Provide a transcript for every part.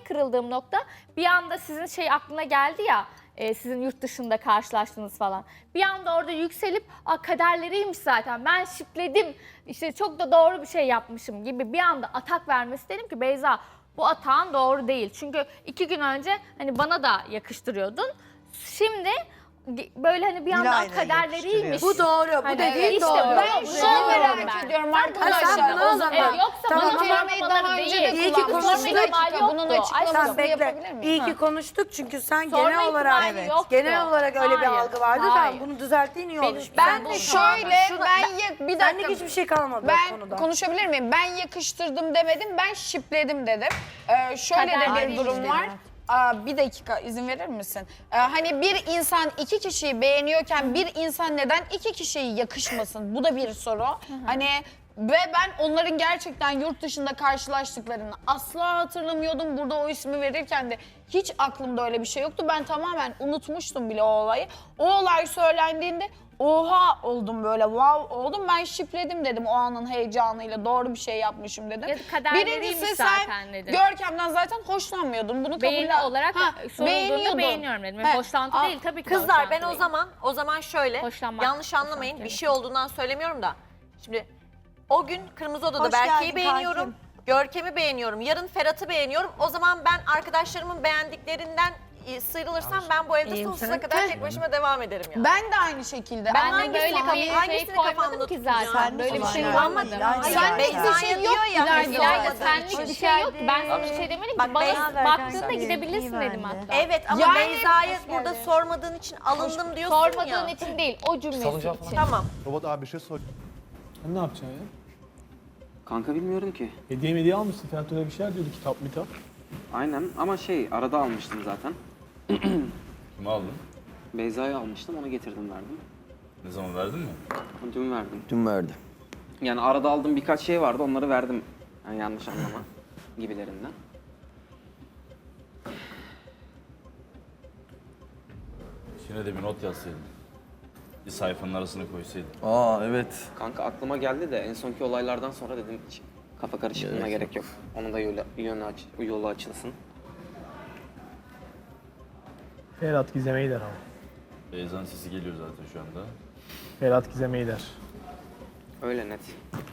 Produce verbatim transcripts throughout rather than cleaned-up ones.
tek kırıldığım nokta bir anda sizin şey aklına geldi ya, e, sizin yurt dışında karşılaştınız falan. Bir anda orada yükselip Aa, kaderleriymiş zaten ben şipledim, işte çok da doğru bir şey yapmışım gibi bir anda atak vermesi, dedim ki Beyza bu atağın doğru değil. Çünkü iki gün önce hani bana da yakıştırıyordun. Şimdi böyle hani bir anda Dilay'la kaderleriymiş. Bu doğru, bu Hani dediğin işte doğru. Ben Şunu merak ben. ediyorum Ha, sen arkadaşlar. bunu o zaman. Evet, yoksa Tamam, bana ama kelimeyi daha sormamaları önce de değil. İyi ki kullanmıştık. konuştuk. Bir dakika, bunun Yoktu. açıklamasını Tamam, bekle. yapabilir miyim? İyi ki konuştuk çünkü sen Sorma genel olarak ihtimali yoktu. genel olarak öyle bir Hayır, algı vardı hayır. da bunu düzelttiğin iyi olmuş. Benim- Ben Bu de şöyle, Şurada- ben ya- bir Senlik dakika. hiçbir şey kalmadı Ben o konuda. konuşabilir miyim? Ben yakıştırdım demedim, ben şipledim dedim. Ee, şöyle de Kader bir durum değil var. işte. Aa, bir dakika izin verir misin? Ee, hani bir insan iki kişiyi beğeniyorken bir insan neden iki kişiyi yakışmasın? Bu da bir soru. Hani ve ben onların gerçekten yurt dışında karşılaştıklarını asla hatırlamıyordum. Burada o ismi verirken de hiç aklımda öyle bir şey yoktu. Ben tamamen unutmuştum bile o olayı. O olay söylendiğinde oha oldum, böyle wow oldum. Ben şipledim dedim o anın heyecanıyla, doğru bir şey yapmışım dedim. Ya da kaderleriymiş Birincisi zaten sen dedim. Görkem'den zaten hoşlanmıyordun. Bunu Beğeni kabul olarak Ha, sorulduğunda beğeniyordun. beğeniyorum dedim. He. Hoşlantı Aa, değil tabii ki. Kızlar ben hoşlantı o değil. zaman o zaman şöyle Hoşlanmak, yanlış anlamayın hoşlanmak bir şey olduğundan söylemiyorum da. Şimdi o gün Kırmızı Oda'da Hoş Berke'yi geldin beğeniyorum. kankim. Görkem'i beğeniyorum. Yarın Ferhat'ı beğeniyorum. O zaman ben arkadaşlarımın beğendiklerinden e, sıyrılırsam ben bu evde İyiyim sonsuza sen. kadar tek başıma devam ederim yani. Ben de aynı şekilde. Ben Ama hangisini böyle kaf- bir şey hangisini koymadım kafamda ki tutacağım? zaten. Böyle bir şey Yani. kullanmadım. Hayır, Sen yani. de hiçbir şey yok ya. İlayda. İlayda Hoş senlik bir Hoş şey yok ki. Ben geldin. sana bir şey demedim ki. Bak, Bana ben- baktığında İyi gidebilirsin bende. dedim hatta. Evet ama Yani- Beyza'yı Hoş burada geldin. sormadığın için alındım diyorsun Sormadığın ya. için değil, o cümlesi için. Tamam. Robot abi bir şey sor. Sen ne yapacaksın ya? Kanka bilmiyorum ki. Hediye mediye almışsın. Ferhat öyle bir şeyler diyordu, kitap mitap. Aynen ama şey arada almıştım zaten. Kimi aldın? Beyza'yı almıştım, onu getirdim verdim. Ne zaman verdin mi? Dün verdim. Dün verdi. Yani arada aldığım birkaç şey vardı, onları verdim. Yani yanlış anlama gibilerinden. İçine de bir not yazsaydın. Bir sayfanın arasına koysaydın. Aa evet. Kanka aklıma geldi de en sonki olaylardan sonra dedim hiç kafa karışıklığına gerek yok. Onun da yolu, yönü aç, yolu açılsın. Ferhat Gizem'e gider ama. Beyza'nın sesi geliyor zaten şu anda. Ferhat Gizem'e gider. Öyle net.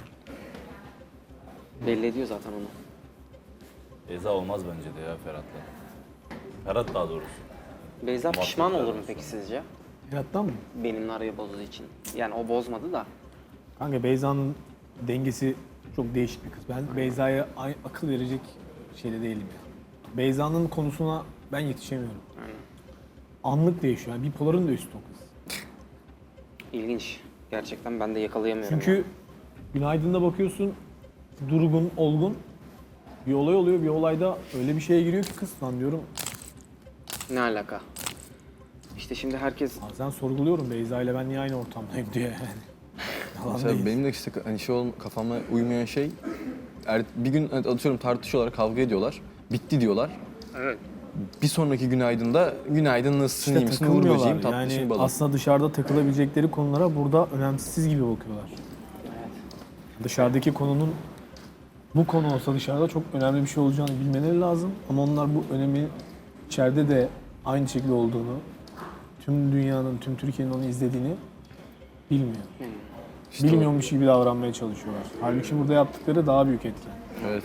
Belli ediyor zaten onu. Beyza olmaz bence de ya Ferhat'la. Ferhat daha doğrusu. Beyza pişman olur mu Muhabbetlerden peki sonra. sizce? Ferhat'tan mı? Benimle arayı bozduğu için. Yani o bozmadı da. Kanka Beyza'nın dengesi çok değişik bir kız. Ben Beyza'ya ay- akıl verecek şeyde değilim ya. Beyza'nın konusuna ben yetişemiyorum. Aynen. Anlık değişiyor. Yani bipoların da üstü o kız. İlginç. Gerçekten ben de yakalayamıyorum. Çünkü ya. Günaydın'da bakıyorsun durgun, olgun. Bir olay oluyor. Bir olayda öyle bir şeye giriyor ki kız lan diyorum. Ne alaka? İşte şimdi herkes Bazen sorguluyorum Beyza ile ben niye aynı ortamdayım diye yani. Yalan Mesela değil. benim de işte hani şey ol, kafama uymayan şey er, bir gün hani atıyorum tartışıyorlar, kavga ediyorlar. Bitti diyorlar. evet. Bir sonraki günaydında günaydın nasılsın, İşte iyi misin, uğur takılmıyorlar. böceğim, tatlışım Yani balım. aslında dışarıda takılabilecekleri konulara burada önemsiz gibi bakıyorlar. Dışarıdaki konunun bu konu olsa dışarıda çok önemli bir şey olacağını bilmeleri lazım. Ama onlar bu önemi içeride de aynı şekilde olduğunu, tüm dünyanın, tüm Türkiye'nin onu izlediğini bilmiyor. İşte o- Bilmiyormuş gibi davranmaya çalışıyorlar. Halbuki burada yaptıkları daha büyük etken. Evet.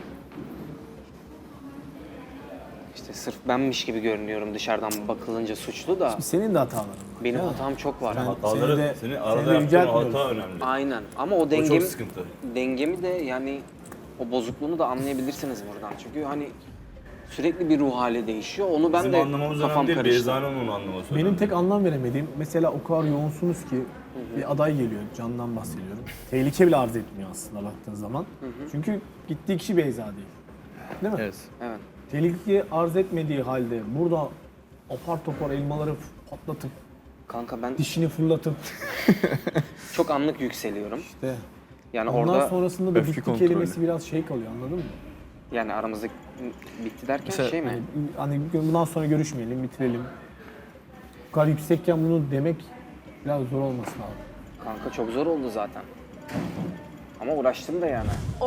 İşte sırf benmiş gibi görünüyorum dışarıdan bakılınca suçlu da Senin de hataların var. benim değil mi? hatam çok var. Ben- Hataları, Seni de- senin seni arada de yaptığın yüceltmiyoruz. hata önemli. Aynen ama o O dengemi, çok sıkıntı. dengemi de yani o bozukluğunu da anlayabilirsiniz buradan. Çünkü hani sürekli bir ruh hali değişiyor. Onu ben Bizim de anlamamız kafam önemli değil, karıştı. Beyza'nın onu anlaması Benim önemli. tek anlam veremediğim, mesela o kadar yoğunsunuz ki bir aday geliyor, Can'dan bahsediyorum. Tehlike bile arz etmiyor aslında baktığın zaman. Çünkü gittiği kişi Beyza değil. Değil mi? Evet. Evet. Tehlike arz etmediği halde burada apar topar elmaları patlatıp, Kanka ben dişini fırlatıp çok anlık yükseliyorum. işte Yani ondan orada sonrasında da öfke bitti kontrolü. kelimesi biraz şey kalıyor, anladın mı? yani aramızda bitti derken Mesela- şey mi? Yani hani bundan sonra görüşmeyelim, bitirelim. Bu kadar yüksekken bunu demek biraz zor olması lazım. Kanka çok zor oldu zaten. Ama uğraştım da yani.